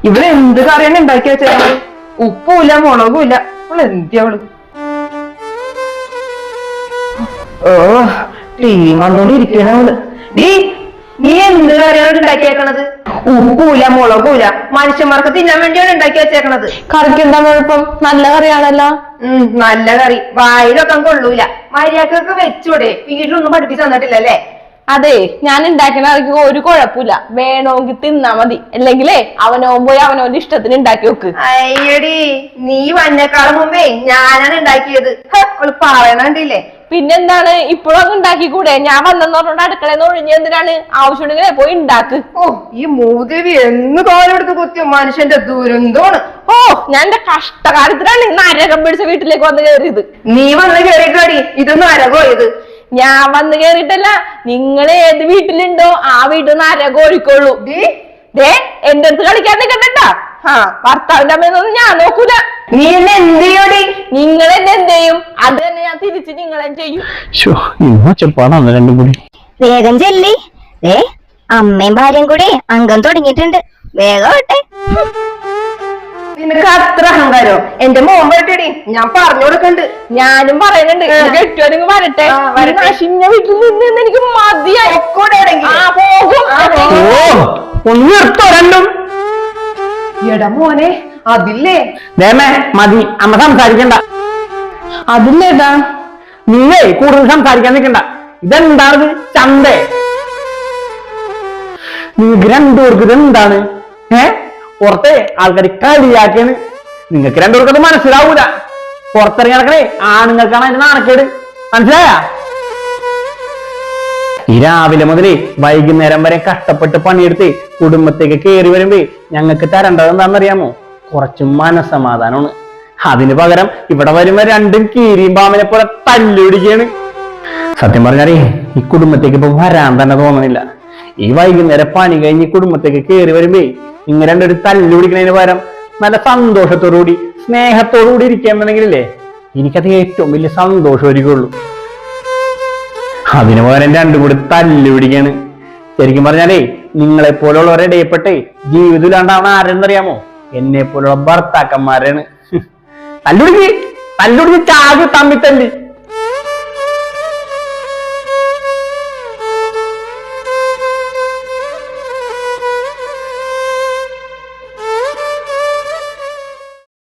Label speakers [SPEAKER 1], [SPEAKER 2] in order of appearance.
[SPEAKER 1] ഇവിടെ എന്ത് കറിയാണ് ഉണ്ടാക്കി വെച്ചത്? ഉപ്പുമില്ല മുളകുമില്ല. അവള് എന്തിയവള്? ഓ ടി വി കണ്ടോണ്ടിരിക്കണ അവള്. നീ എന്ത് കറിയാണ് ഉണ്ടാക്കിയേക്കണത്? ഉപ്പുമില്ല മുളകുമില്ല. മനുഷ്യന്മാർക്ക് തിന്നാൻ വേണ്ടിയാണ് ഉണ്ടാക്കി വെച്ചേക്കണത്.
[SPEAKER 2] കറിക്ക് എന്താ കുഴപ്പം? നല്ല കറിയാണല്ലോ.
[SPEAKER 1] നല്ല കറി വായിലൊക്കെ കൊള്ളൂല. മര്യാദക്കൊക്കെ വെച്ചൂടെ? വീട്ടിലൊന്നും പഠിപ്പിച്ചു തന്നിട്ടില്ലല്ലേ?
[SPEAKER 2] അതെ, ഞാൻ ഉണ്ടാക്കുന്ന കറിക്ക് ഒരു കുഴപ്പമില്ല. വേണമെങ്കിൽ തിന്നാ മതി. അല്ലെങ്കിലേ അവനോൻ പോയി അവനോന്റെ ഇഷ്ടത്തിന് ഉണ്ടാക്കി വെക്ക്.
[SPEAKER 1] അയ്യടി, നീ വന്നേക്കാളും മുമ്പേ ഞാനാണ് ഉണ്ടാക്കിയത്. അവള് പറയണണ്ടില്ലേ?
[SPEAKER 2] പിന്നെന്താണ്, ഇപ്പോഴൊക്കെ ഉണ്ടാക്കിക്കൂടെ? ഞാൻ വന്നെന്ന് പറഞ്ഞോണ്ട് അടുക്കളന്ന് ഒഴിഞ്ഞ എന്തിനാണ്? ആവശ്യമുണ്ടെങ്കിലേ പോയി ഉണ്ടാക്ക്.
[SPEAKER 1] ഓ, ഈ മൂദേവി എന്ന് തോലെടുത്ത് കുത്തിയ മനുഷ്യന്റെ ദുരന്തമാണ്.
[SPEAKER 2] ഓ, ഞാൻ എന്റെ കഷ്ടകാലത്തിലാണ് നരകം പിടിച്ച വീട്ടിലേക്ക് വന്ന് കയറിയത്.
[SPEAKER 1] നീ വന്ന് കയറിക്കാടി, ഇതൊന്നും നരകോയത്.
[SPEAKER 2] ഞാൻ വന്ന് കേറിയിട്ടല്ല, നിങ്ങൾ ഏത് വീട്ടിലുണ്ടോ ആ വീട്ടിൽ നിന്ന് നരകം ഒഴിക്കുള്ളൂ. എന്റെ അടുത്ത് കളിക്കാൻ നിൽക്കണ്ട. ഭർത്താവിന്റെ അമ്മയൊന്നും ഞാൻ നോക്കൂല.
[SPEAKER 1] നീ എന്നെ എന്ത് ചെയ്യോടി?
[SPEAKER 2] നിങ്ങൾ എന്നെ എന്ത് ചെയ്യും? അത് തന്നെ ഞാൻ തിരിച്ച് നിങ്ങളെ ചെയ്യും.
[SPEAKER 3] രണ്ടും കൂടി
[SPEAKER 4] വേഗം ചെല്ലി. അമ്മയും ഭാര്യയും കൂടി അംഗം തുടങ്ങിയിട്ടുണ്ട്. വേഗം ആവട്ടെ.
[SPEAKER 1] നിനക്ക് അത്ര അഹങ്കാരോ? എന്റെ മോൻ വരട്ടെടി, ഞാൻ പറഞ്ഞു കൊടുക്കണ്ട്.
[SPEAKER 2] ഞാനും പറയുന്നുണ്ട്, കെട്ടിയോനെങ്കിൽ വരട്ടെ. നശിഞ്ഞ വീട്ടിൽ നിന്ന് എനിക്ക് മതിയായി.
[SPEAKER 3] രണ്ടും
[SPEAKER 1] എടാ മോനെ, അതില്ലേ
[SPEAKER 3] മതി, അമ്മ സംസാരിക്കണ്ട.
[SPEAKER 2] അതില്ലേതാ?
[SPEAKER 3] നിങ്ങളെ കൂടുതൽ സംസാരിക്കാൻ നിൽക്കണ്ട. ഇതെന്താണ് ചന്തേ? നിങ്ങൾക്ക് രണ്ടുപേർക്ക് ഇതെന്താണ്? പുറത്തെ ആൾക്കാർ കളിയാക്കിയാണ്. നിങ്ങൾക്ക് രണ്ടുപേർക്ക് അത് മനസ്സിലാവൂല. പുറത്തിറങ്ങി നടക്കണേ ആണുങ്ങൾക്കാണ് അതിന്റെ നാണക്കേട്. മനസ്സിലായ? ഈ രാവിലെ മുതലേ വൈകുന്നേരം വരെ കഷ്ടപ്പെട്ട് പണിയെടുത്ത് കുടുംബത്തേക്ക് കയറി വരുമ്പോ ഞങ്ങൾക്ക് തരേണ്ടത് എന്താണെന്നറിയാമോ? കുറച്ച് മനസമാധാനമാണ്. അതിന് പകരം ഇവിടെ വരുമ്പോ രണ്ടും കീരിയും പാമ്പിനെ പോലെ തല്ലുപിടിക്കാണ്. സത്യം പറഞ്ഞാലേ ഈ കുടുംബത്തേക്ക് ഇപ്പൊ വരാൻ തന്നെ തോന്നുന്നില്ല. ഈ വൈകുന്നേരം പണി കഴിഞ്ഞ് കുടുംബത്തേക്ക് കയറി വരുമ്പോ ഇങ്ങനെ രണ്ടൊരു തല്ലുപിടിക്കുന്നതിന് പകരം നല്ല സന്തോഷത്തോടുകൂടി സ്നേഹത്തോടുകൂടി ഇരിക്കാന്നുണ്ടെങ്കിലേ എനിക്കത് ഏറ്റവും വലിയ സന്തോഷമായിരിക്കുള്ളൂ. അതിന് പകരം രണ്ടും കൂടി തല്ലുപിടിക്കാണ്. ശരിക്കും പറഞ്ഞാലേ നിങ്ങളെ പോലുള്ളവരെ ഇടയപ്പെട്ടേ ജീവിതമില്ലാണ്ടാവണ ആരെന്നറിയാമോ? എന്നെ പോലുള്ള ഭർത്താക്കന്മാരാണ്. തല്ലുപിടിച്ച് ചാകി തമ്മിത്തല്ല്.